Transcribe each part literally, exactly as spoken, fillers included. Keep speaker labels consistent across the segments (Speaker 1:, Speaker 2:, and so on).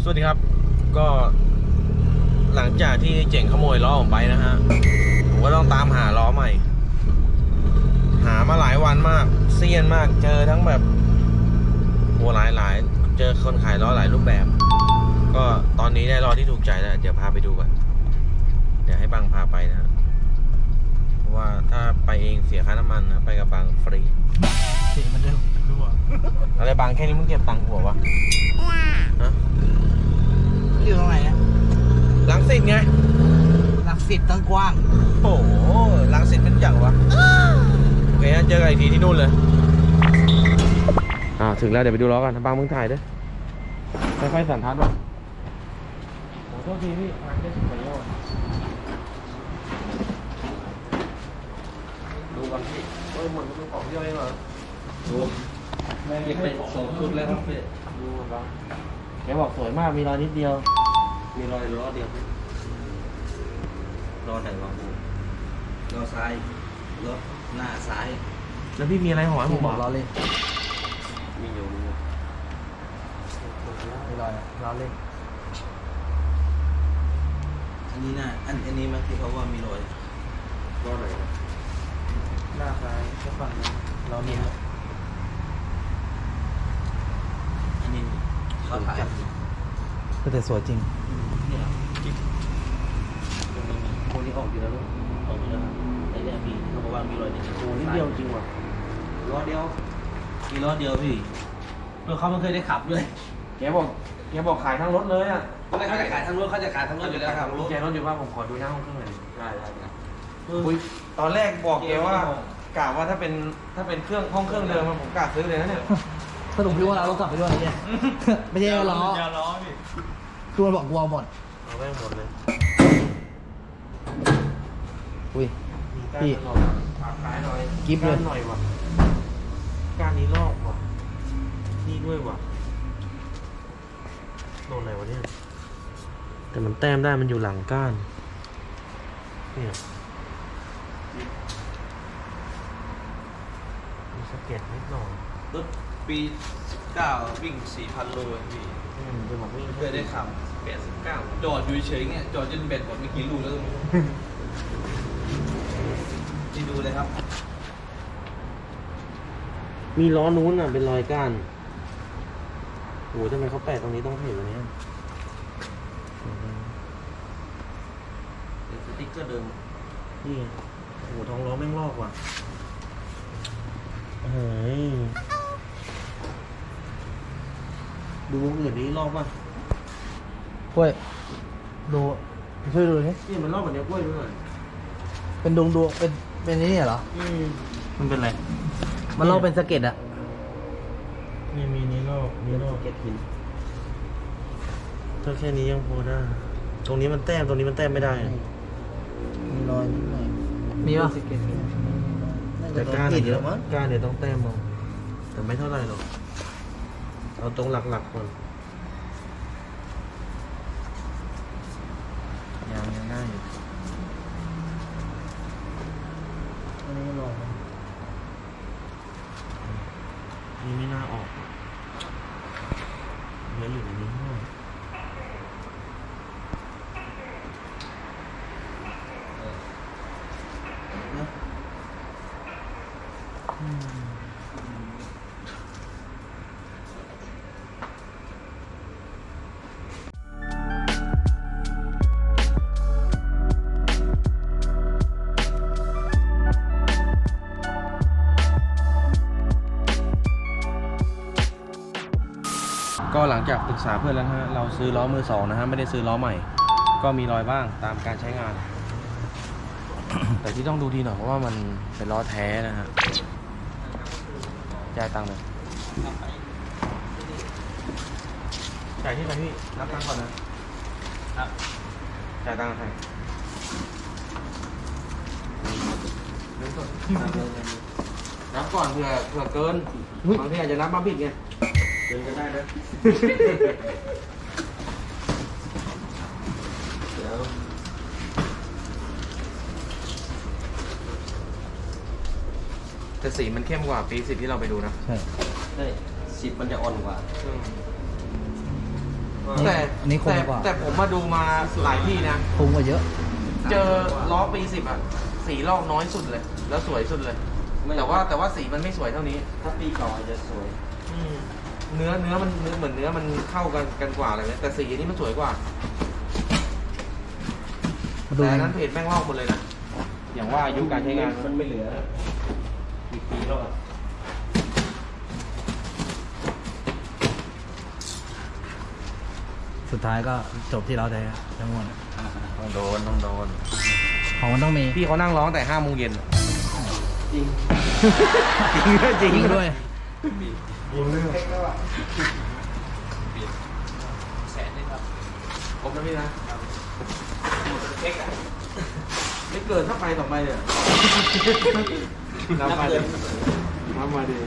Speaker 1: วัสดีครับก็หลังจากที่เจ๋งขโมยล้อผมไปนะฮะผมก็ต้องตามหาล้อใหม่หามาหลายวันมากเซียนมากเจอทั้งแบบโหหลายหลายเจอคนขายล้อหลายรูปแบบ ก็ตอนนี้ได้ล้อที่ถูกใจแล้วเดี๋ยวพาไปดูกันเดี๋ยวให้บังพาไปนะเพราะว่าถ้าไปเองเสียค่าน้ำมันนะไปกับบังฟรี
Speaker 2: เสียงมันเร็วรั่ว
Speaker 1: อะไรบังแค่นี้มึงเก็บตังค์หัววะฮะ
Speaker 2: อยู่ตรงไหนนะ
Speaker 1: ลังสิตไง
Speaker 2: หลักสิบตั้งกว้าง
Speaker 1: โอ้โหลังสิตเป็นอย่างวะโอเคเจอกันอีกทีที่นู่นเลยอ่าถึงแล้วเดี๋ยวไปดูล้อกันบังมึงถ่ายด้วยค่อยๆสั่นทัดวะโอ้โทษทีพี่ทางได้สุดประโยชน์ดูกันพี่เฮ้ยเหมือนมันของย่อยเหรอดูแม่งเก็บไปสองชุดแล้วครับพี่ดูมันบ้างแกบอกสวยมากมีรอยนิดเดียวมีรอยล้อเดียวล้อไหนล้อบูล้อซ้ายล้อหน้าซ้ายแล้วพี่มีอะไรหอยผมบอก
Speaker 2: ล้อเล่น
Speaker 1: มีอยู่มีอยู่
Speaker 2: ไม่ลอยล้อเล่น
Speaker 3: อันนี้นะอันอันนี้มันที่เขาว่ามีรอย
Speaker 1: ล้อไหนวะ
Speaker 2: หน้าซ้ายก็ฝั่งนั้นล้อเล่น
Speaker 3: อันนี้เขาถ่าย
Speaker 2: ก็แต่สวยจริง
Speaker 3: นี่เหรอจิ๊บตรงนี้มีโคนนี้ออกอยู่แล้วลูกออกอยู่แล้วครับไอ้เนี่ยมีเขาบอกว่ามีรอยนิดเดียว
Speaker 1: โอ้นิดเดียวจริงว่ะ
Speaker 3: ล้อเดียวมีล้อเดียวพี่รถเขาไม่เคยได้ขับด้วย
Speaker 1: แกบอกแกบอกขายทั้งรถเลยอ่ะ
Speaker 3: เขาจะขายทั้งรถเขาจะขายทั้งรถอยู่แล้วครับรถ
Speaker 1: แกรถอยู่ว่าผมขอดูหน้าห้องเครื่องหน่อย
Speaker 3: ได้ได้ครับ
Speaker 1: คุยตอนแรกบอกแกว่ากะว่าถ้าเป็นถ้าเป็นเครื่องห้องเครื่องเดิมอะผมกะซื้อเลยนะเนี่ย
Speaker 2: สรุปพี่ว่าเราต้องกลับไปด้วยเนี่ยไม่ใช่ล้อ
Speaker 3: ยาล้อพี่
Speaker 2: คือมันบอกกลัวหมด
Speaker 1: เอาไปหมดเลย
Speaker 2: อุ้ย
Speaker 1: มีก้าน
Speaker 2: พี่
Speaker 1: หน่อยฝากขายหน่อย
Speaker 2: กิ๊บเลย
Speaker 1: ก้านหน่อยว่ะก้านนี้ลอกว่ะนี่ด้วยว่ะโดนอะไรวะเนี่ยแต่มันแต้มได้มันอยู่หลังก้านเนี่ยมีสะเก็ดนิดหน่อย
Speaker 3: รถปีสิบเก้าวิ่งสี่พันโลพี่
Speaker 1: อืมจะบอกวิ่ง
Speaker 3: เคยได้ขับ
Speaker 1: แปดสิบเก้า
Speaker 3: จอดอยู่เฉยๆเงี้ยจอดจนเบ็ดหมดไม่กี่ลูกแล้วก็ไม่รู้ที่ดูเลยครับ
Speaker 1: มีล้อนู้นอ่ะเป็นรอยก้านโอ้โหทำไมเขาแปะตรงนี้ต้องเห็นวันนี้
Speaker 3: สติ๊กเกอร์เดิม
Speaker 1: นี่ไงโอ้โหท้องล้อแม่งลอกว่ะเฮ้ยดูวงอื่นนี้ลอกป่ะ
Speaker 2: กล้วยดูช่วยดูนี่
Speaker 1: นี่มันลอกแบบนี้กล้วยด้วย
Speaker 2: เป็นดวงดวงเป็นเป็นนี่เหรอ
Speaker 1: อืมมันเป็นไร
Speaker 2: มันลอกเป็นสะเก็ดอะ
Speaker 1: นี่มีนี้ลอกนี้ลอก
Speaker 3: เก็ตหิน
Speaker 1: ถ้าแค่นี้ยังพอได้ตรงนี้มันแต้มตรงนี้มันแต้มไม่ได้อะ
Speaker 2: มีรอยนิดหน่อยมีป่ะ
Speaker 1: แต่ก้าน
Speaker 2: ติด
Speaker 1: เดี๋ยว
Speaker 2: แล้วมั้ง
Speaker 1: ก้านเดี๋ยวต้องแต้มเอาแต่ไม่เท่าไหร่หรอกเอาตรงหลักๆก่อนยังยังได้อยู่
Speaker 2: อันนี้ลอง
Speaker 1: นี่ไม่น่าออกเยอะอยู่ในนี้ด้วยอืมก็หลังจากปรึกษาเพื่อนแล้วนะฮะเราซื้อล้อมือสองนะฮะไม่ได้ซื้อล้อใหม่ ก็มีรอยบ้างตามการใช้งาน แต่ที่ต้องดูดีหน่อยเพราะว่ามันเป็นล้อแท้นะฮะจ่ายตังค์เลยจ่ายที่ไหนพี่รับตังค์ก่อนนะครับ จ่ายตังค์ใครเงินสดนับก่อนเผื่อเผื่อเกินบางทีอาจจะนับมาผิดไงเกินก็ได้นะ เดี๋ยวแต่สีมันเข้มกว่าปีสิบที่เราไปดูนะ
Speaker 2: ใช่
Speaker 3: ได้สิบมันจะอ่อนกว่า
Speaker 1: อืมแต่
Speaker 2: อันนี้คม
Speaker 1: แต่
Speaker 2: กว่า
Speaker 1: แต่ผมมาดูมาหลายที่นะ
Speaker 2: คมกว่าเยอะ
Speaker 1: เจอล้อปีสิบอ่ะสีลอกน้อยสุดเลย แล้วสวยสุดเลย แต่ว่าแต่ว่าสีมันไม่สวยเท่านี้
Speaker 3: ถ้าปีเก่าอาจจะสวย
Speaker 1: อืมเนื้อเนื้อมันเนื้อเหมือนเนื้อมันเข้ากันกันกว่าอะไรเนี่ยแต่สีอันนี้มันสวยกว่า
Speaker 2: มาดู
Speaker 1: แต่อันนั้นเพจแม่งลอกหมดเลยนะอย่างว่าอายุการใช้งาน
Speaker 3: มันไม่เหลืออีกปีแล้วอ่ะ
Speaker 2: สุดท้ายก็จบที่เราแท้ทั้งหมด
Speaker 1: ต้องโดนต้องโดน
Speaker 2: ของมันต้องมี
Speaker 1: พี่เขานั่งร้องแต่ห้าโมงเย็น
Speaker 3: จริง
Speaker 1: จริงด้วยจริง
Speaker 2: ยิง
Speaker 1: ด้
Speaker 2: ด้
Speaker 1: ว
Speaker 2: วย ย
Speaker 3: แสนนึงครับ
Speaker 1: ผมนะพี่นะไม่เกินถ้าไปต่อไปเนี่ย
Speaker 3: นับเดือน
Speaker 1: น้ำมาดี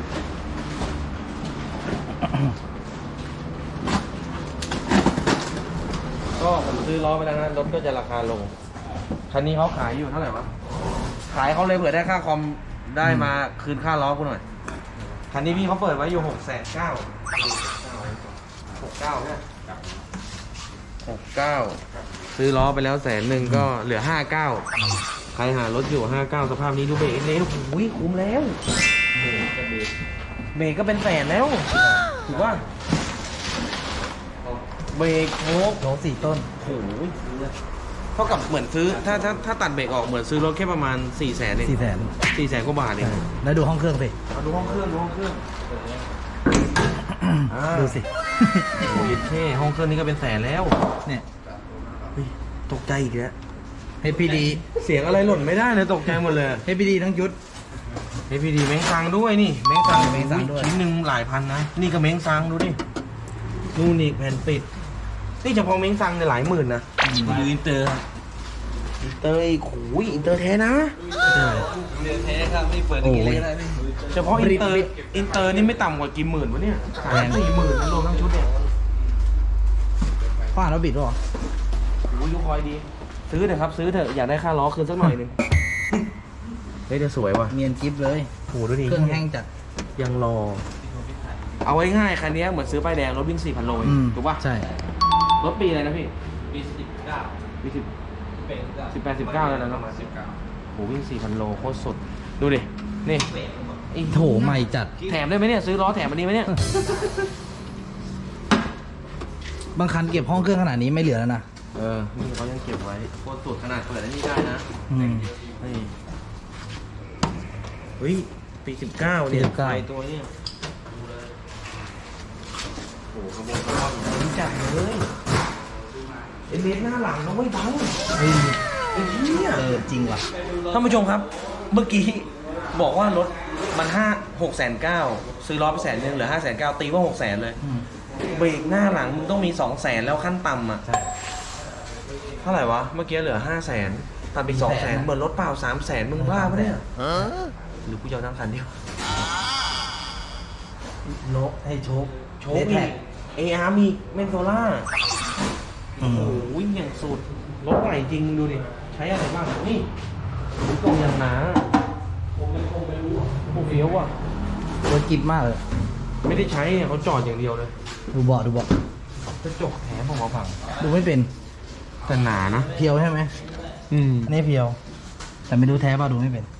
Speaker 1: ก็ผมซื้อล้อไปแล้วนะรถก็จะราคาลง คันนี้เขาขายอยู่เท่าไหร่วะ ขายเขาเลยเผื่อได้ค่าคอมได้มาคืนค่าล้อกูหน่อย คันนี้พี่เขาเปิดไว้อยู่หกแสนเก้าหกเก้าเนี่ยหกเก้าซื้อล้อไปแล้วแสนหนึ่งก็เหลือห้าเก้าใครหารถอยู่ห้าเก้าสภาพนี้ดูเบรกเละโอ้ยคุ้มแล้วเบรกก็เป็นแสนแล้วถูกป่ะเบรกโชค
Speaker 2: โหสี่ต้น
Speaker 1: โอ้ยเท่ากับเหมือนซื้อถ้าถ้าถ้าตัดเบรกออกเหมือนซื้อรถแค่ประมาณสี่แสนเอง
Speaker 2: สี่แสน
Speaker 1: สี่แสนกว่าบาทเอง
Speaker 2: แล้วดูห้องเครื่องสิ
Speaker 1: มาดูห้องเครื่องดูห้องเครื่อง อ่า
Speaker 2: ดูสิ
Speaker 1: โอ้ยเท่ห้องเครื่องนี้ก็เป็นแสนแล้ว
Speaker 2: เนี่ย
Speaker 1: เฮ้ยตกใจอีกแล้ว
Speaker 2: เฮพีดี
Speaker 1: เสียงอะไรหล่นไม่ได้เลยตกใจหมดเลย
Speaker 2: เฮพีดีทั้งชุด
Speaker 1: เฮ้ยพี่ดีเม้งซังด้วยนี่เม้งซัง
Speaker 2: เม้งซังด้วย
Speaker 1: ชิ้นหนึ่งหลายพันนะ นี่ก็เม้งซังดูดินู่นนี่แผ่นปิดนี่เฉพาะเม้งซังเนี่ยหลายหมื่นนะ
Speaker 3: ดูอินเตอร์
Speaker 1: อินเตอร์อีกโอ้ยอินเตอร์แท้นะ
Speaker 2: ใช่
Speaker 3: เดือนแท้ครับไม่เปิดอย่างนี้เลยก็ได้พี่
Speaker 1: เฉพาะอินเตอร์อินเตอร์นี่ไม่ต่ำกว่ากี่หมื่นวะเนี่ยสามสี่หมื่นนะรวมทั้งชุดเนี่ย
Speaker 2: ข้ออ่านแล้วบิดหรอ
Speaker 1: โอ้ยลูกคอยดี ซื้อเถอะครับซื้อเถอะอยากได้ค่าล้อคืนสักหน่อยหนึงเฮ้ยจะสวยว่ะ
Speaker 2: เนียนกิฟเลย
Speaker 1: โหดูดิ
Speaker 2: เครื่องแห้งจัด
Speaker 1: ยังรอ เอาไว้ง่ายคันนี้เหมือนซื้อป้ายแดงรถวิ่งสี่พันโลเอง
Speaker 2: อืม
Speaker 1: ถูกป่ะ
Speaker 2: ใช่
Speaker 1: รถปีอะไรนะพี่
Speaker 3: ปีสิบเก้า
Speaker 1: ปีสิบ
Speaker 3: เป็น
Speaker 1: สิบแปดสิบเก้าแล้วนะเนอะ
Speaker 3: สิบเก้า
Speaker 1: โหวิ่งสี่พันโลโคตรสุด ดูดิ นี่ไอ้
Speaker 2: โถใหม่จัด
Speaker 1: แถมได้ไหมเนี่ย ซื้อล้อแถมอันนี้ไหมเนี่ย
Speaker 2: บางคันเก็บห้องเครื่องขนาดนี้ไม่เหลือแล้วนะ
Speaker 1: เออ นี่เขายังเก็บไว้โคตรสุดขนาดเปิดอันนี้ได้นะ
Speaker 2: อืม
Speaker 1: นี่เฮ้ย ปีสิบเก้าเนี่ย
Speaker 2: ปีสิบเก้า
Speaker 1: ไฟตัวเนี่ยโอ้โหขบวนขบวนรู้จักเลยเอ็นเอสหน้าหลังเราไม่บัง
Speaker 2: เฮ้ย
Speaker 1: ไอ้เหี้ย
Speaker 2: เออจริงว่ะ
Speaker 1: ท่านผู้ชมครับ เมื่อกี้บอกว่ารถมันห้าหกแสนเก้าซื้อล้อไปแสนหนึ่งเหลือห้าแสนเก้าตีว่าหกแสนเลย
Speaker 2: อืม
Speaker 1: เบรกหน้าหลังมึงต้องมีสองแสนแล้วขั้นต่ำอ่ะ
Speaker 2: ใช่
Speaker 1: เท่าไหร่วะ เมื่อกี้เหลือห้าแสนตัดไปสองแสน
Speaker 2: นะ
Speaker 1: เหมือนรถเปล่าสามแสนมึงบ้าปะเนี่ยหรือกูจะเอาทั้งคันเดียว
Speaker 2: โลกให้โชค
Speaker 1: โชว์
Speaker 2: เล
Speaker 1: อี
Speaker 2: แท็
Speaker 1: กเออาร์มีเมนโซล่า
Speaker 2: อื
Speaker 1: โอ้
Speaker 2: ม
Speaker 1: โหอย่างสุด รถใหม่จริงดูดิ ใช้อะไรบ้าง นี่กล่องอย่างหนาโอ้เฟี้ยวว่ะ
Speaker 2: รถกิฟมากเลย
Speaker 1: ไม่ได้ใช้เนี่ยเขาจอดอย่างเดียวเลย
Speaker 2: ดูเบาะดูเบาะ
Speaker 1: กระจกแถมผมมาฝั่ง
Speaker 2: ดูไม่เป็น
Speaker 1: แต่หนานะ
Speaker 2: เพียวใช่ไหม
Speaker 1: อืม
Speaker 2: อันนี้เพียว แต่ไม่รู้แท้ป่ะดูไม่เป็น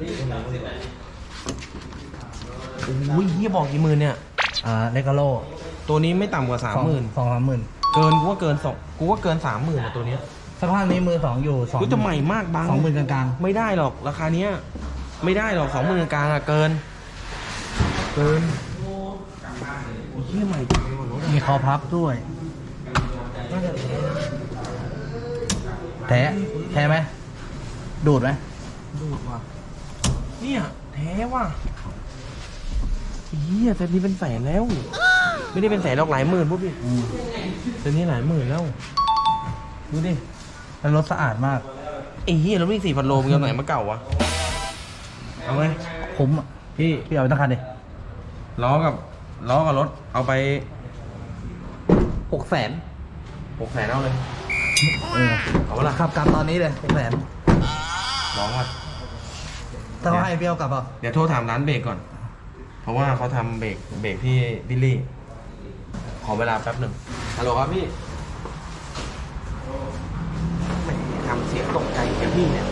Speaker 1: โอ้ยเฮียบอกกี่หมื่นเนี่ย
Speaker 2: อ่าเลกาโล
Speaker 1: ตัวนี้ไม่ต่ำกว่าสามหมื่น
Speaker 2: สองสามหมื่น
Speaker 1: เกินกูว่าเกินสองกูว่าเกินสามหมื่นอะตัวเนี้ย
Speaker 2: สภาพนี้มือสองอยู่สอง
Speaker 1: กูจะใหม่มากบาง
Speaker 2: สองหมื่นกลาง
Speaker 1: ไม่ได้หรอกราคาเนี้ย ไม่ได้หรอกสองหมื่นกลางอะเกิน เกินโอ้ยเฮียใหม่จริงเลยว่ะรถ
Speaker 2: ๆมีคอพับด้วย แท้แท้ไหมดูดไหม
Speaker 1: ดูดว่ะเนี่ยแท้ว่ะเฮียเซตนี้เป็นแสนแล้ว ไม่ได้เป็นแสนหรอกหลายหมื่นพวกพี่
Speaker 2: อืม
Speaker 1: เซตนี้หลายหมื่นแล้วดูดิ
Speaker 2: แล้วรถสะอาดมาก
Speaker 1: ไอ้เหี้ยรถวิ่งสี่พันโลมึงเอาไหนมาเก่าวะ เอาไหม
Speaker 2: คุ้มอ่ะ
Speaker 1: พี่
Speaker 2: พี่เอาไปตั้งคันดิ
Speaker 1: ล้อกับล้อกับรถเอาไป
Speaker 2: หกแสน
Speaker 1: หกแสนเอาเลย
Speaker 2: เออ
Speaker 1: เอาละ
Speaker 2: ขับกลับตอนนี้เลยหกแสน
Speaker 1: ลองว่ะ
Speaker 2: ถ้าว่าให้พี่เอากลับเปล่า
Speaker 1: เดี๋ยวโทรถามร้านเบรกก่อน เพราะว่าเขาทำเบรกเบรกที่บิลลี่ ขอเวลาแป๊บหนึ่ง
Speaker 2: อ
Speaker 1: ฮัลโหลครับพี่ไม่ทำเสียงตกใจกับพี่เนี่ย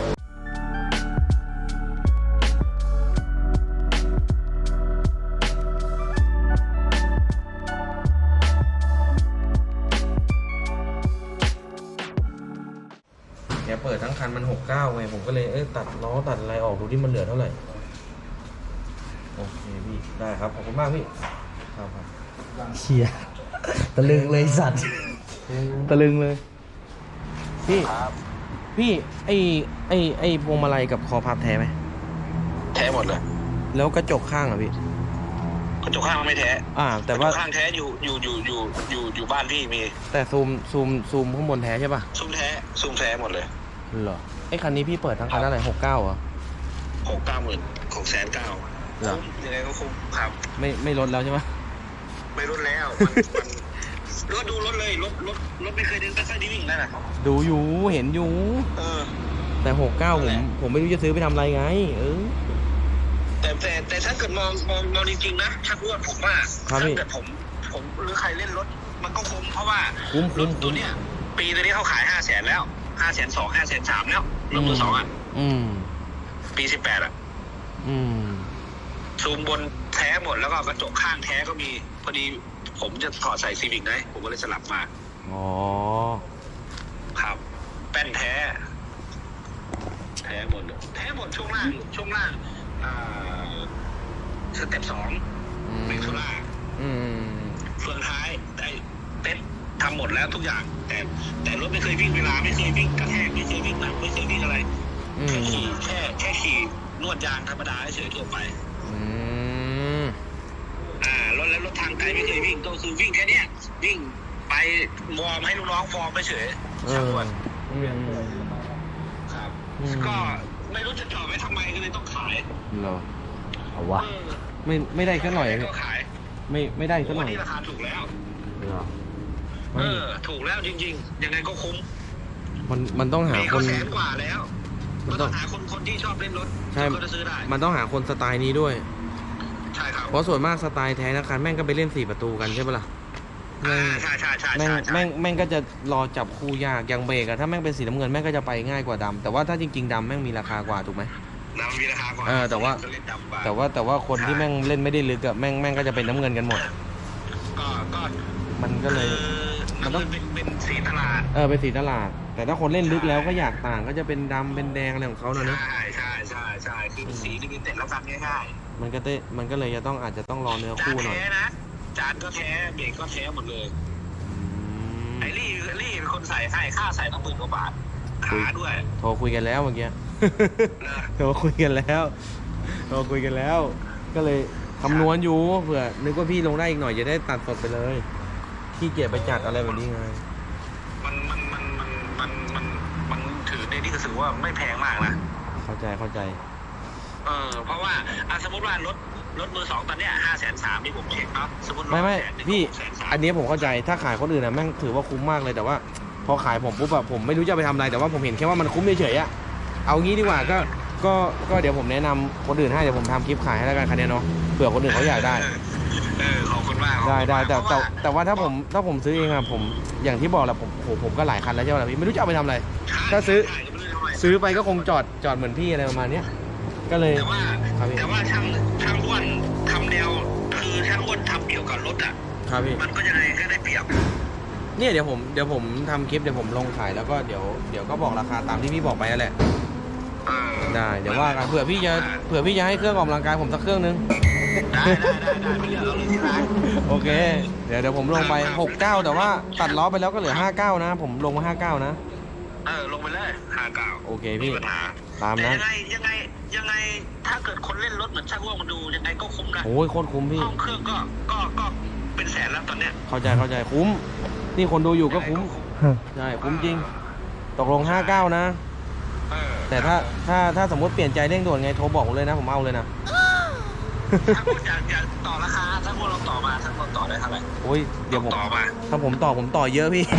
Speaker 1: แกเปิดทั้งคันมันหกเก้าไงผมก็เลยเอ้ยตัดล้อตัดอะไรออกดูที่มันเหลือเท่าไหร่โอเคพี่ได้ครับขอบคุณมากพี่ครับครับ
Speaker 2: เชียตะลึงเลยสัตว์ตะลึงเลย
Speaker 1: พี่พี่ไอไอไอพวงมาลัยกับคอพับแท้ไหม
Speaker 4: แท้หมดเลย
Speaker 1: แล้วกระจกข้างอ่ะพี่
Speaker 4: กระจกข้างไม่แท้
Speaker 1: อ่า แต่ว่าก
Speaker 4: ระจกข้างแท้อยู่อยู่อยู่อยู่อยู่อยู่บ้านพี่มี
Speaker 1: แต่ซูมซูมซูมข้างบนแท้ใช่ป่ะ
Speaker 4: ซุ้มแท้ซุ้มแท้หมดเลย
Speaker 1: เหรอไอคันนี้พี่เปิดทั้งคันเท่าไหร่หกเก้าเหรอ
Speaker 4: หกเก้าหมื่นหกแสนเก้า
Speaker 1: เหรอ
Speaker 4: คุ้มยังไงก็คุ้มครับ
Speaker 1: ไม่ไม่ลดแล้วใช่ไหม
Speaker 4: ไม่ลดแล้วมันมันรถดูรถเลยรถรถรถไม่เคยเดินไม่เคยได้วิ่งนั่นน่ะ
Speaker 1: ดูอยู่เห็นอยู่
Speaker 4: เออ
Speaker 1: แต่หกเก้า
Speaker 4: นั่
Speaker 1: ผ
Speaker 4: นแห
Speaker 1: ม
Speaker 4: ละ
Speaker 1: ผมไม่รู้จะซื้อไปทำอะไรไง เออ
Speaker 4: แต่แต่แต่ถ้าเกิดมองมองมองจริงๆนะชักอ้วนผมว่า
Speaker 1: ครับ
Speaker 4: ถ้า
Speaker 1: พี่
Speaker 4: เกิดผมผมหรือใครเล่นรถมันก็คุ้มเพราะว่า
Speaker 1: คุ้ม
Speaker 4: ร
Speaker 1: คุ้
Speaker 4: ถ
Speaker 1: ม
Speaker 4: ตั
Speaker 1: คุ้
Speaker 4: ว
Speaker 1: ม
Speaker 4: เนี้ยปีตัวนี้เขาขายห้าแสนแล้วห้าแสนสองห้าแสนสามแล้วรถมือสองอ่ะ
Speaker 1: อืม
Speaker 4: ปีสิบแปดอ่ะ
Speaker 1: อืม
Speaker 4: ซูมบนแท้หมดแล้วก็กระจกข้างแท้ก็มีพอดีผมจะถอดใส่ซีวิกนะผมก็เลยสลับมา
Speaker 1: อ๋อ
Speaker 4: ครับ แป้นแท้ แท้หมดเลยแท้หมดช่วงล่างช่วงล่างอ่าสเต็ปสอง
Speaker 1: อืม
Speaker 4: เมกโซล่า
Speaker 1: อืม
Speaker 4: เฟืองท้ายได้เต็นทำหมดแล้วทุกอย่าง แต่แต่รถไม่เคยวิ่งเวลาไม่เคยวิ่งกระแทกไม่เคยวิ่งหนักไม่เคยวิ่งอะไร
Speaker 1: อื
Speaker 4: แค่
Speaker 1: ม
Speaker 4: ขี่แค่แค่ขี่นวดยางธรรมดาเฉยๆทั่วไป
Speaker 1: อืม
Speaker 4: อ่ารถแล้วรถทางไกลไม่เคยวิ่งก็คือวิ่งแค่เนี้ยวิ่งไปวอร์มให้ลูกน้องฟอร์มไปเฉย
Speaker 1: เอ
Speaker 4: ช่าง
Speaker 1: อ
Speaker 4: ด่วน
Speaker 1: อืม
Speaker 4: ครับ
Speaker 1: อืม
Speaker 4: ก็ไม่รู้จะจอดไว้ทำไมก็เลยต้องขาย
Speaker 1: เหรอ
Speaker 2: เอาวะ
Speaker 4: เออ
Speaker 1: ไม่ไม่ได้สักหน่อย
Speaker 4: ก็ขาย
Speaker 1: ไม่ไม่ได้สักหน่
Speaker 4: วั
Speaker 1: อน ย
Speaker 4: นี้ราคาถูกแล้ว
Speaker 1: เหรอ
Speaker 4: เออ ถูกแล้วจริงๆ ยังไงก็คุ้ม
Speaker 1: มันมันต้องหา
Speaker 4: มี
Speaker 1: ค
Speaker 4: ก็
Speaker 1: น
Speaker 4: แสนกว่าแล้ว
Speaker 1: มั
Speaker 4: มัน น
Speaker 1: ต้
Speaker 4: ต้
Speaker 1: อ
Speaker 4: อง งหาคนคนที่ชอบเล่นรถ
Speaker 1: ใช่
Speaker 4: ก็จะซื้อได้
Speaker 1: มันต้องหาคนสไตล์นี้ด้วย
Speaker 4: ใช่ครับ
Speaker 1: เพราะส่วนมากสไตล์แท้นะคันแม่งก็ไปเล่นสี่ประตูกันใช่ปะล่ะ
Speaker 4: อ่า
Speaker 1: แม่ง
Speaker 4: ใช่ใช่ใช่
Speaker 1: แม่ง
Speaker 4: ใช่ใช่
Speaker 1: แม่งแม่งก็จะรอจับคู่ยากอย่างเบรกอะถ้าแม่งเป็นสีน้ำเงินแม่งก็จะไปง่ายกว่าดำแต่ว่าถ้าจริงๆดำแม่งมีราคากว่าถูกไหม
Speaker 4: น้ำมีราคากว่า
Speaker 1: เออแต่ว่า
Speaker 4: ก็เล่นดำกว่า
Speaker 1: แต่ว่าแต่ว่าคนที่แม่งเล่นไม่ได้ลึกอะแม่งแม่งก็จะเป็นน้ำเงินกันหมด
Speaker 4: ก็ก็
Speaker 1: มันก็เลย
Speaker 4: คือมันเป็นเป็นสีตลาด
Speaker 1: เออเป็นสีตลาด แต่ถ้าคนเล่นลึกแล้วก็อยากต่างก็จะเป็นดำเป็นแดงอะไรของเขานะเนอะ
Speaker 4: ใช่ใช่ใช่ใช่คือเป็นสีลิมิเต็ดแล้วกันง่าย
Speaker 1: มันก็ได้มันก็เลยจะต้องอาจจะต้องรอเนื้อ
Speaker 4: ๆจาน
Speaker 1: คู่หน่อย
Speaker 4: แท้นะจานก็แท้เบรกก็แท้หมดเลย
Speaker 1: อืม
Speaker 4: ไอ้ลี่ลี่เป็นคนใส่ให้ค่าใส่ต้องหมื่นกว่าบาทขาด้วย
Speaker 1: โทรคุยกันแล้วเมื่อกี้
Speaker 4: นะ
Speaker 1: โทรคุยกันแล้วโทรคุยกันแล้ว ก็เลยคำนวณอยู่เผื่อนึกว่าพี่ลงได้อีกหน่อยจะได้ตัดสดไปเลยขี้เกียจไปจัดอะไรแบบนี้ไง
Speaker 4: มันมันมันมันมันมันมันถือในที่ก็ถือว่าไม่แพงมากนะ
Speaker 1: เข้าใจเข้าใจ
Speaker 4: เออเพราะว่าอ่ะสมมติว่ารถรถมือสองตอนเนี้ยห้าแสนสามที่ผมเช็คเนาะสมมติ
Speaker 1: ไม่ไม่
Speaker 4: แสนหนึ่ง
Speaker 1: พี่
Speaker 4: แสนสาม
Speaker 1: อันนี้ผมเข้าใจถ้าขายคนอื่นนะแม่งถือว่าคุ้มมากเลยแต่ว่า พอขายผมปุ๊บอะผมไม่รู้จะเอาไปทำอะไรแต่ว่าผมเห็นแค่ว่ามันคุ้มเฉยๆอะเอางี้ดีกว่าก็ก็ก็เดี๋ยวผมแนะนำคนอื่นให้เดี๋ยวผมทำคลิปขายให้แล้วกันคันนี้เนาะเผื่อคนอื่นเขาอยากได้
Speaker 4: เออขอบคุณมาก
Speaker 1: ได้ได้แต่
Speaker 4: เพ
Speaker 1: แต่
Speaker 4: ราะว่า
Speaker 1: แต่ว่าถ้าผมถ้าผมซื้อเองอะผมอย่างที่บอกแหละผมโหผมก็หลายคันแล้วใช่ไหมล่ะพี่ไม่รู้จะเอาไปทำอะไร ถ้าซื้อ
Speaker 4: ใช่ไม่รู้จะทำไม
Speaker 1: ซื้อไปก็คงจอดจอดเหมือนพี่อะไรประมาณเนี้ยก็เลย
Speaker 4: แต่ว่า
Speaker 1: ครับพี่
Speaker 4: แต่ว่าช่างช่างอ้วนทำแนวคือช่างอ้วนทำเกี่ยวกับรถอ่ะ
Speaker 1: ครับพี่
Speaker 4: มันก็ยังไงก็ได้เปรียบ
Speaker 1: เนี่ยเดี๋ยวผมเดี๋ยวผมทำคลิปเดี๋ยวผมลงขายแล้วก็เดี๋ยวเดี๋ยวก็บอกราคาตามที่พี่บอกไปนั่นแหละ
Speaker 4: เออ
Speaker 1: ได้เดี๋ยวว่ากันเผื่อพี่จะเผื่อพี่จะให้เครื่องออกกำลังกายผมสักเครื่องนึง
Speaker 4: ได้ได้ได้ได้ไปเลือกเอาเลยที่ร้าน
Speaker 1: โอเคเดี๋ยวเดี๋ยวผมลงไปหกเก้าแต่ว่าตัดล้อไปแล้วก็เหลือห้าเก้านะ ผมลงมาห้าเก้านะ
Speaker 4: เออลงไปเลยห้าเก้า
Speaker 1: โอเค
Speaker 4: มี
Speaker 1: พี่
Speaker 4: ปัญหา
Speaker 1: ตาม
Speaker 4: แต่
Speaker 1: นั้น
Speaker 4: ยังไงยังไงยังไงถ้าเกิดคนเล่นรถเหมือนช่างอ้วนมาดูยังไงก็คุ้มนะ
Speaker 1: โอ้ยโคตรคุ้มพี่
Speaker 4: ห้องเครื่องก็ก็ก็เป็นแสนแล้วตอนเนี้ย
Speaker 1: เข้าใจเข้าใจคุ้มนี่คนดูอยู่ก็คุ้มใช่คุ้มจริง ตกลงห้าเก้านะ
Speaker 4: เออ
Speaker 1: แต่ถ้าถ้าถ้าสมมติเปลี่ยนใจเร่งด่วนไงโทรบอกผมเลยนะผมเอาเลยนะ
Speaker 4: ถ้าพูดอยากอยากต่อราคาถ้าพวกเราต่อมาถ้าเราต่อได้เท่าไหร่
Speaker 1: โอ้ยเดี๋ยวผม
Speaker 4: ต่อมา
Speaker 1: ถ้าผมต่อผมต่อเยอะพี่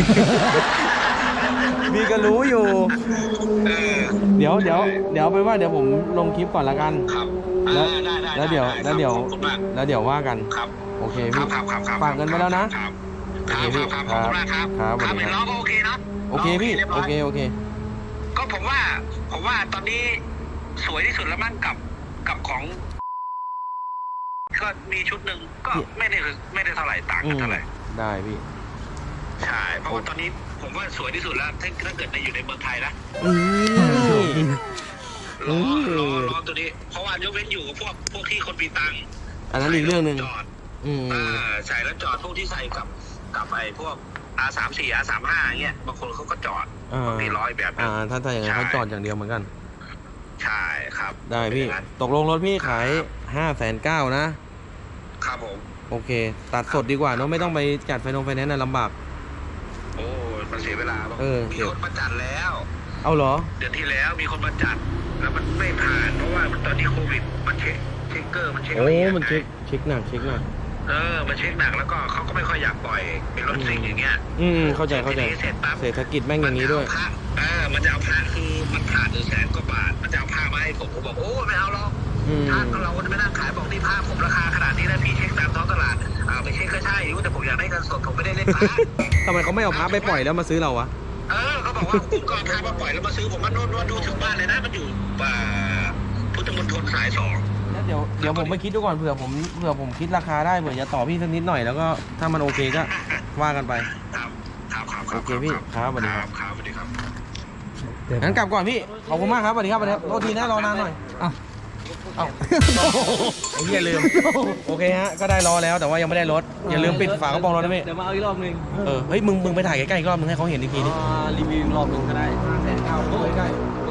Speaker 1: พี่ก็รู้อยู่
Speaker 4: เออ
Speaker 1: เดี๋ยวเดี๋ยวเดี๋ยวไปนว่าเดี๋ยวผมลงคลิปก่อนละกัน
Speaker 4: ครับ
Speaker 1: แล้ว
Speaker 4: อ่าได้ได้
Speaker 1: แล้วเดี๋ยว
Speaker 4: ไ
Speaker 1: แล้วเดี๋ยว
Speaker 4: ขอบคุณมาก
Speaker 1: แล้วเดี๋ยวว่ากัน
Speaker 4: ครับ
Speaker 1: โอเค
Speaker 4: ครั
Speaker 1: พี่
Speaker 4: บครับครับครับ
Speaker 1: ฝากเงินไว้แล้วนะ
Speaker 4: ครับครับครับครับขอบคุณมากครับ
Speaker 1: ครับสวัส
Speaker 4: เห็
Speaker 1: ดี
Speaker 4: น
Speaker 1: ค
Speaker 4: ล้อ
Speaker 1: รับ
Speaker 4: ก็โอเคเนาะ
Speaker 1: โอเคพี่
Speaker 4: รียบร้
Speaker 1: โอย เคโอเค
Speaker 4: ก็ผมว่าผมว่าตอนนี้สวยที่สุดแล้วมั้งกับกับของ ก็มีชุดหนึ่งก็ไม่ได้ไม่ได้เท่าไหร่ต่าง
Speaker 1: อื
Speaker 4: กัน
Speaker 1: ม
Speaker 4: เท่าไหร่
Speaker 1: ได้พี่
Speaker 4: ใช่เพราะว่าตอนนี้ผมว่าสวยที่สุดแล้วถ้าถ้าเกิดในอยู่ในเมืองไทยนะ
Speaker 1: นี่
Speaker 4: ล้อ
Speaker 1: เออ
Speaker 4: ล้อล้อตัวนี้ เพราะว่ายกเว้นอยู่กับพวกพวกที่คนมีตังค์
Speaker 1: อันนั้นอีกเรื่องหนึ่ง
Speaker 4: จอด
Speaker 1: อืม
Speaker 4: อ่าใส่แล้วจอดพวกที่ใส่กับกับไอ้พวก อาร์ สามสิบสี่ อาร์ สามสิบห้า เงี้ยบางคนเขาก็จอด
Speaker 1: อ่า
Speaker 4: มีร้อยแบบ
Speaker 1: อ่าถ้าถ้าอย่างนั้น
Speaker 4: ใช่
Speaker 1: เขาจอดอย่างเดียวเหมือนกัน
Speaker 4: ใช่ครับ
Speaker 1: ได้พี่
Speaker 4: เป็นอย่างนั้น
Speaker 1: ตกลงรถพี่ขายห้าแสนเก้านะ
Speaker 4: ครับผม
Speaker 1: โอเค ตัดสดดีกว่าเนอะไม่ต้องไปจัดไฟนงไฟแนนซ์นะลำบาก
Speaker 4: โอ้มันเสียเวลาบาง
Speaker 1: เออ
Speaker 4: มีคนมาจัดแล้ว
Speaker 1: เอาเหรอ
Speaker 4: เดือนที่แล้วมีคนมาจัด แล้วมันไม่ผ่านเพราะว่ามันตอนนี้โควิดมันเช็คเช็คเกอร์มันเช็ค
Speaker 1: โอ้
Speaker 4: ละเอียด
Speaker 1: มันเช็ค
Speaker 4: ไง
Speaker 1: เช็คหนักเช็คหนัก
Speaker 4: เออมันเช็คหนักแล้วก็เขาก็ไม่ค่อยอยากปล่อยเป็นรถซิ่งอย่างเงี้ย
Speaker 1: อืมเข้าใจเข้าใจ
Speaker 4: ทีนี้เสร็จปั๊บ
Speaker 1: เศรษฐกิจแม่งอย่างนี้ด้วย
Speaker 4: มัจะเอพระเออมันจะเอาพระคือมันขาดหนึ่งแสนกว่าบาท มันจะเอาผ้ามาให้ผมผมบอกโอ้ไม่เอาหรอก
Speaker 1: อืม
Speaker 4: ถ้าเราไม่นั่งขายบอกนี่ผ้าผมราคาขนาดนี้นะพี่เช็คตามท้องตลาดอ่าไปเช็คก็ใช่อยู่แต่ผมอยากได้เงินสดผมไม่ได้เล่นพระ
Speaker 1: ทำไมเขาไม่เอาพระไปปล่อยแล้วมาซื้อเราวะ
Speaker 4: เออเขาบอกว่าคุณก็เอาพระมาปล่อยแล้วมาซื้อผมมันโน่นว่าดูถึงบ้านเลยนะมันอยู่อ่าพุทธมณฑลสายสอง
Speaker 1: เดี๋ยวเดี๋ยวผมไปคิดดูก่อนเผื่อผมเผื่อผมคิดราคาได้เผื่อจะต่อพี่สักนิดหน่อยแล้วก็ถ้ามันโอเคก็ว่ากันไป
Speaker 4: ครับครับครับ
Speaker 1: โอเคพี่ครับสวัสดีครับ
Speaker 4: ครับสวัสดีครับ
Speaker 1: งั้นกลับก่อนพี่ขอบคุณมากครับสวัสดีครับสวัสดีครับโทษทีนะรอนานหน่อย
Speaker 2: อ่ะ
Speaker 1: เอ้าไอ้เหี้ยลืมโอเคฮะก็ได้รอแล้วแต่ว่ายังไม่ได้รถอย่าลืมปิดฝากระโปรงรถนะพี่
Speaker 3: เดี๋ยวมาเอาอีกรอบหนึง
Speaker 1: เออเฮ้ยมึงมึงไปถ่ายใกล้ๆอีกรอบมึงให้เขาเห็นอีกทีดิ
Speaker 3: อ่ารีวิวอีกรอบหนึงก็ได้
Speaker 1: แสนเก้าดูใกล้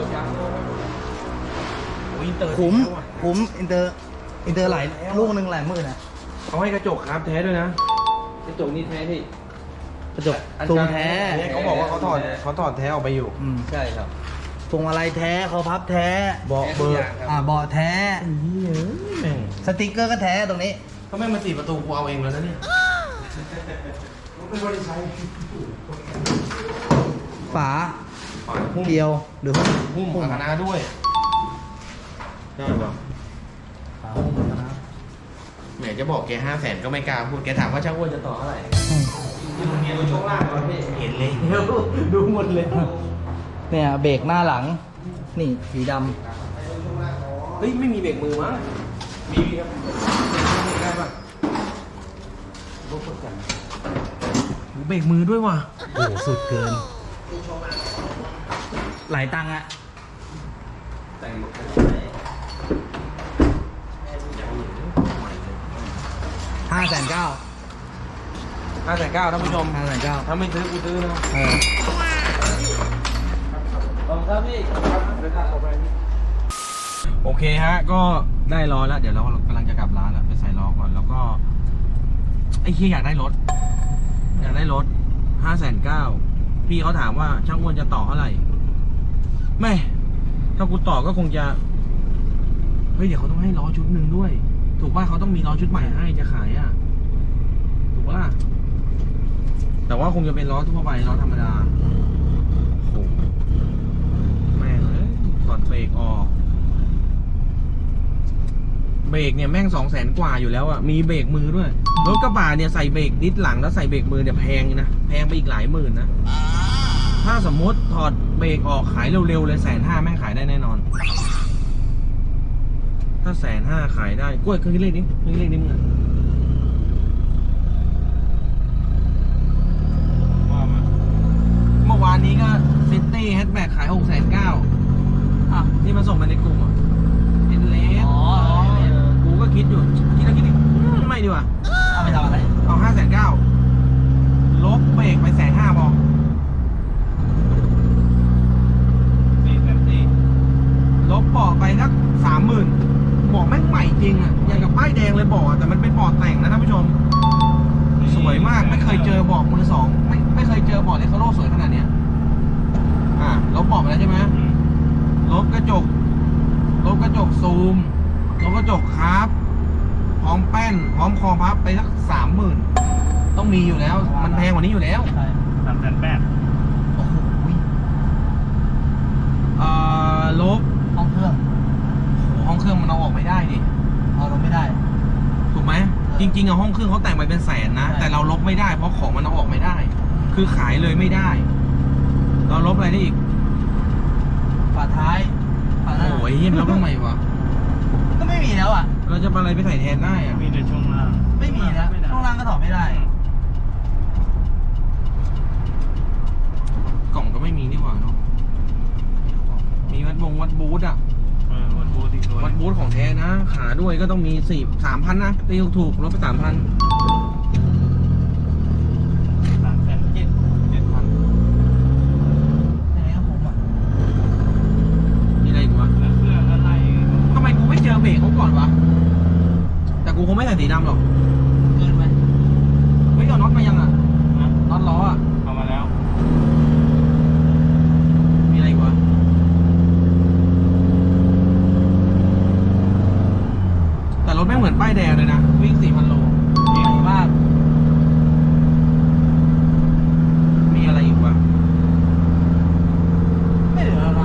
Speaker 1: โอ้ยอินเตอร์
Speaker 2: คุ้มคุ้มอินเตอร์อินเตอร์หลายลูกหนึ่งหลายหมื่นนะ
Speaker 1: เขาให้กระจกครับแท้ด้วยนะ
Speaker 3: กระจกนี่แท้ที่
Speaker 2: กระจกทรงแท้
Speaker 1: เขาบอกว่าเขาถอดเขาถอดแท้ออกไปอยู่
Speaker 2: อืม
Speaker 3: ใช่ครับ
Speaker 2: ทรงอะไรแท้เขาพับแท้
Speaker 1: เบาะเบอร์
Speaker 2: อ่าเบาะแท้
Speaker 1: แม่ง
Speaker 2: สติกเกอร์ก็แท้ตรงนี้
Speaker 1: ก็แม่งมาสี่ประตูกูเอาเองแล้วนะเนี่ย
Speaker 2: ฝา
Speaker 1: หุ้ม
Speaker 2: เดียวหรือหุ้ม
Speaker 1: หุ้มกับคณะด้วยได้ป่ะ
Speaker 2: ฝาหุ้มนะ
Speaker 1: แหมจะบอกแกห้าแสนก็ไม่กล้าพูดแกถามว่าช่างอ้วนจะต่อเท่าไหร่
Speaker 2: อืม
Speaker 1: ที่ลุงเมียดูช่วงล่างก่อนพี่เห็นเลยดูหมดเลย
Speaker 2: เนี่ยเบรกหน้าหลัง นี่สีด
Speaker 1: เฮ้ยไม่มีเบรกมือมั้งมีครับได้ป่ะรถกดกันโหเบรกมือด้วยว่ะ
Speaker 2: ำโอ้โหสุดเกิน หลายตังค์อะ
Speaker 3: แต่งหมด
Speaker 2: ห้าแสนเก้า
Speaker 1: ห้าแสนเก้าท่านผู้ชม
Speaker 2: ห้าแสนเก้า
Speaker 1: ถ้าไม่ซื้อกูซื้อนะ
Speaker 2: เออ
Speaker 3: ขอบคุณครับพี่
Speaker 1: โอเคฮะก็ได้ล้อแล้วเดี๋ยวเรากำลังจะกลับร้านแล้วไปใส่ล้อก่อนแล้วก็ไอ้เคียอยากได้รถอยากได้รถห้าแสนเก้าพี่เขาถามว่าช่างอ้วนจะต่อเท่าไหร่ไม่ถ้ากูต่อก็คงจะเฮ้ยเดี๋ยวเขาต้องให้ล้อชุดหนึ่งด้วย ถูกป่ะเขาต้องมีล้อชุดใหม่ให้จะขายอ่ะถูกป่ะแต่ว่าคงจะเป็นล้อทั่วไปล้อธรรมดาโอ้โหแม่งเลยถอดเบรกออกเบรกเนี่ยแม่งสองแสนกว่าอยู่แล้วอ่ะมีเบรกมือด้วยรถกระบะเนี่ยใส่เบรกดิสหลังแล้วใส่เบรกมือเนี่ยแพงนะแพงไปอีกหลายหมื่นนะถ้าสมมติถอดเบรกออกขายเร็วๆเลยแสนห้าแม่งขายได้แน่นอน ถ้าแสนห้าขายได้กล้วยเคยเลขนี้เคยเลขนี้มึงอะว่ามาเมื่อวานนี้ก็ซิตี้แฮชแบ็กขายหกแสนเก้าอ่ะที่มาส่งมาในกลุ่มอ่ะเป็นเลส
Speaker 2: อ๋อ
Speaker 1: กูก็คิดอยู่คิดแล้วคิดอีกอืมไม่ดีกว่า
Speaker 2: เอาไปทำอะไร
Speaker 1: เอาห้าแสนเก้าลบเบรกไปแสนห้าพอนี่แบบนี้ลบเบาะไปสักสามหมื่นเบาะแม่งใหม่จริงอ่ะอย่างกับป้ายแดงเลยเบาะแต่มันเป็นเบาะแต่งนะท่านผู้ชม สวยมากไม่เคยเจอเบาะมือสองไม่ไม่เคยเจอเบาะเลคาโร่สวยขนาดเนี้ยอ่ะลบเบาะไปแล้วใช่ไหมลบกระจกลบกระจกซูมลบกระจกคาร์บพร้อมแป้นพร้อมคอพับไปสักสามหมื่นต้องมีอยู่แล้ว มันแพงกว่านี้อยู่แล้ว
Speaker 2: ใช่
Speaker 3: สามแสนแปด
Speaker 1: โอ้โหเอ่อลบ
Speaker 2: ห้องเครื่อง
Speaker 1: ห้องเครื่องมันเอาออกไม่ได้ดิ
Speaker 2: เอาลงไม่ได้
Speaker 1: ถูกไหมจจริงๆอะห้องเครื่องเขาแต่งไปเป็นแสนนะ แต่เราลบไม่ได้เพราะของมันเอาออกไม่ได้ คือขายเลยไม่ได้ เราลบอะไรได้อีก
Speaker 2: ฝาท้ายฝาหน้า
Speaker 1: โอ้ยเยี่ยมลบทำไมวะ
Speaker 2: ก็ไม่มีแล้วอ่ะ
Speaker 1: เราจะเอาอะไรไปใส่แทนได้อะ
Speaker 3: มีแต่ช่วงล่าง
Speaker 2: ไม่มีแล้วช่วงล่างก็ถอดไม่ได้
Speaker 1: กล่องก็ไม่มีนี่หว่าเนาะมีวัดบงวัดบูธอะ
Speaker 3: เออวันบูธอีกตัว
Speaker 1: วัดบูธของแท้นะ ขาด้วยก็ต้องมีสี่สามพันนะตีถูกๆลดไปสามพัน
Speaker 3: สามแสนเจ็ดเจ็ดพัน
Speaker 2: ยังไงก็คุ้มอ่ะ
Speaker 1: มีอะไรอีกวะ
Speaker 3: แล้วเครื่องอะไร
Speaker 1: ทำไมกูไม่เจอเบรกเขาก่อนวะ แต่กูคงไม่ใส่สีดำหรอก
Speaker 2: เกินไป
Speaker 1: ไม่เอาน็อตมายังอ่ะ
Speaker 3: นะ
Speaker 1: น็อตล้ออ่ะ
Speaker 3: เอามาแล้ว
Speaker 1: มีอะไรอีกวะ แต่รถไม่เหมือนป้ายแดงเลยนะ วิ่งสี่พันโล
Speaker 2: ใหญ่มาก
Speaker 1: มีอะไรอีกวะ
Speaker 2: ไม่เหลือแล้วนะ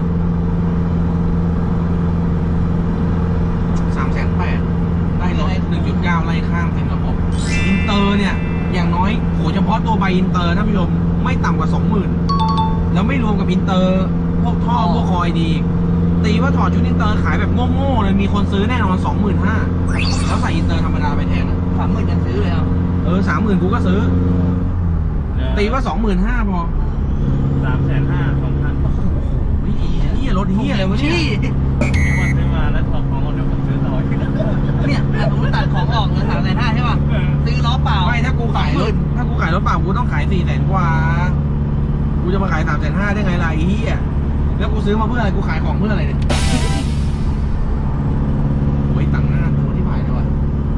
Speaker 1: สามแสนแปดได้รถหนึ่งจุดเก้าไล่ข้ามเต็มระบบ อินเตอร์เนี่ย อย่างน้อยโหเฉพาะตัวใบอินเตอร์นะผู้ชมไม่ต่ำกว่าสองหมื่นแล้วไม่รวมกับอินเตอร์พวกท่อพวกคอยดี ตีว่าถอดชุดอินเตอร์ขายแบบโง่ๆเลยมีคนซื้อแน่นอนสองหมื่นห้าแล้วใส่อินเตอร์ธรรมดาไปแทนอะ
Speaker 2: สามหมื่นยังซื้อเลยอ่ะ
Speaker 1: เออสามหมื่นกูก็ซื้อ ตีว่าสองหมื่นห้าพอ
Speaker 3: สามแสนห้าสองพัน
Speaker 1: โอ้ยเฮียรถเฮียอะไรวะเนี่ย
Speaker 3: มีคนซื้อมาแล้วถอดของหมดเดี๋ยวผมซื้อต่ออีก
Speaker 2: เนี่ยแต่ผมตัดของออกเหลือสามแสนห้าใช่ป่ะ
Speaker 3: เออ
Speaker 2: ซื้อล้อเปล่า
Speaker 1: ไม่ถ้ากูขายรถถ้ากูขายรถเปล่ากูต้องขายสี่แสนกว่า กูจะมาขายสามแสนห้าได้ไงล่ะไอ้เฮียแล้วกูซื้อมาเพื่ออะไรกูขายของเพื่ออะไรเนี่ยโอ้ยตังค์หน้าตัวที่ผ่านเลยว่ะ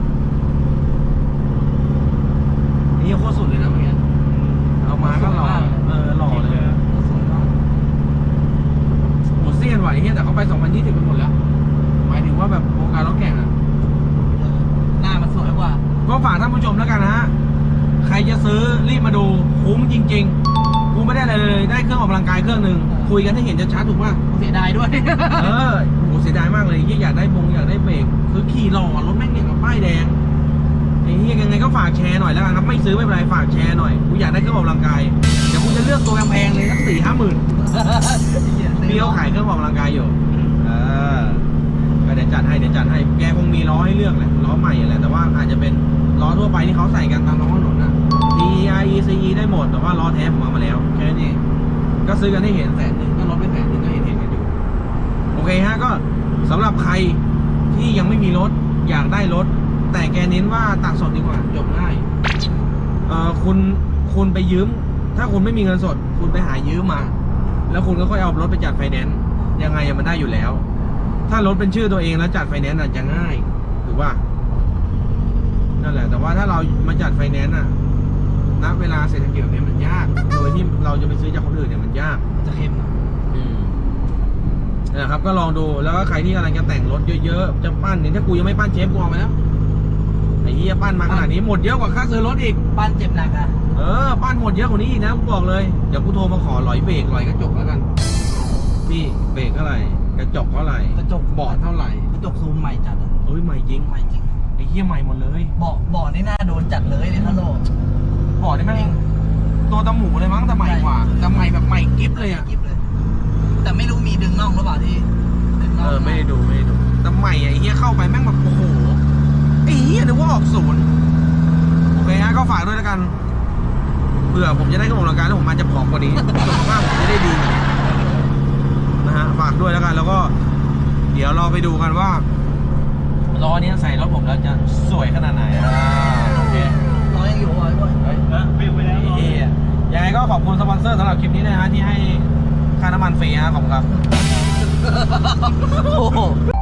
Speaker 1: นี่โคตรสุดเลยนะเมื่อกี้เอามาก็หล่อเออหล่อเลย
Speaker 2: สวยมาก
Speaker 1: หมดเสี้ยนไหวเฮียแต่เขาไปสองพันยี่สิบไปหมดแล้วหมายถึงว่าแบบวงการรถแข่งอ่ะ
Speaker 2: เออหน้ามันสวยกว่า
Speaker 1: ก็ฝากท่านผู้ชมแล้วกันนะฮะ ใครจะซื้อรีบมาดูคุ้มจริงๆ กูไม่ได้อะไรเลย ได้เครื่องออกกำลังกายเครื่องหนึ่งคุยกันให้เห็นชัดๆถูกป่ะ
Speaker 2: เสียดายด้วย
Speaker 1: เออโหเสียดายมากเลยที่อยากได้บงอยากได้เบรกคือขี่หล่อรถแม่งเนี่ยกับป้ายแดงไอ้เหี้ยยังไงก็ฝากแชร์หน่อยแล้วกันครับไม่ซื้อไม่เป็นไรฝากแชร์หน่อยกูอยากได้เครื่องออกกำลังกายเดี๋ยวกูจะเลือกตัวแพงๆเลยสักสี่ห้าหมื่นพี่เขาขายเครื่องออกกำลังกายอยู่เออก็เดี๋ยวจัดให้เดี๋ยวจัดให้แกคงมีล้อให้เลือกแหละล้อใหม่แหละแต่ว่าอาจจะเป็นล้อทั่วไปที่เขาใส่กันตามท้องถนนนะ ที ไอ อี ซี อี ได้หมดแต่ว่าล้อแท้ผมเอามาแล้วแค่นี้ก็ซื้อกันให้เห็นแสนหนึ่งก็ลดไปแสนหนึ่งก็เห็นเห็นกันอยู่โอเคฮะก็สำหรับใครที่ยังไม่มีรถอยากได้รถ แต่แกเน้นว่าตัดสดดีกว่าจบง่ายเอ่อคุณคุณไปยืม ถ้าคุณไม่มีเงินสด คุณไปหายืมมา แล้วคุณก็ค่อยเอารถไปจัดไฟแนนซ์ยังไงมันได้อยู่แล้ว ถ้ารถเป็นชื่อตัวเองแล้วจัดไฟแนนซ์อาจจะง่ายถือว่านั่นแหละแต่ว่าถ้าเรามาจัดไฟแนนซ์อ่ะณเวลาเศรษฐกิจแบบนี้มันยาก โดยที่เราจะไปซื้อจากคนอื่นเนี่ยมันยาก
Speaker 2: จะเข้มหน่อย
Speaker 1: อืมนะครับก็ลองดูแล้วก็ใครที่กำลังจะแต่งรถเยอะๆจะปั้นเนี่ยถ้ากูยังไม่ปั้นเชฟกูเอาไปแล้วไอ้เหี้ยปั้นมาขนาดนี้หมดเยอะกว่าค่าซื้อรถอีก
Speaker 2: บ้านเจ็บหนักอ่ะ
Speaker 1: เออปั้นหมดเยอะกว่านี้อีกนะกูบอกเลยเดี๋ยวกูโทรมาขอหลอยเบรกหลอยกระจกแล้วกันพี่เบรกเท่าไหร่กระจกเท่าไหร่
Speaker 2: กระจก
Speaker 1: เบาะเท่าไหร่
Speaker 2: กระจกซูมใหม่จัดอะ
Speaker 1: เอ้ยใหม่จริง
Speaker 2: ใหม่จริง
Speaker 1: ไอ้เหี้ยใหม่หมดเลย
Speaker 2: เบาะเบาะนี่น่าโดนจัดเลยเลยท่านโล
Speaker 1: เบาะนี่แม่งตัวตะหมูเลยมั้งแต่ใหม่กว่าแต่ใหม่แบบใหม่กิ๊บเลยอ่ะ
Speaker 2: กิ๊บเลย แต่ไม่รู้มีดึงน่องหรือเปล่าที่ดึงน่
Speaker 1: เอ
Speaker 2: อง
Speaker 1: อไม่ได้ดูไม่ได้ดูแต่ใหม่อะไอ้เหี้ยเข้าไปแม่งแบบโอ้โหไอ้เหี้ยนึกว่าออกศูนย์โอเคฮะก็ฝากด้วยแล้วกันเผื่อผมจะได้กำลังกายแล้วผมมาจะผอมกว่านี้สุขภาพผมจะได้ดีกว่านี้นะฮะฝากด้วยแล้วกันแล้วก็ เดี๋ยวเราไปดูกันว่าล้อเนี้ยใส่รถผมแล้วจะสวยขนาดไหนอ่าโอเค
Speaker 2: ล้อยังอยู่อ่ะไอ้บอย
Speaker 1: เฮ้ย
Speaker 3: นะปิ้วไปแล้ว
Speaker 1: ไอ้เหี้ยยังไงก็ขอบคุณสปอนเซอร์สำหรับคลิปนี้นะฮะที่ให้ค่าน้ำมันฟรีฮะขอบคุณครับ
Speaker 2: โอ้โห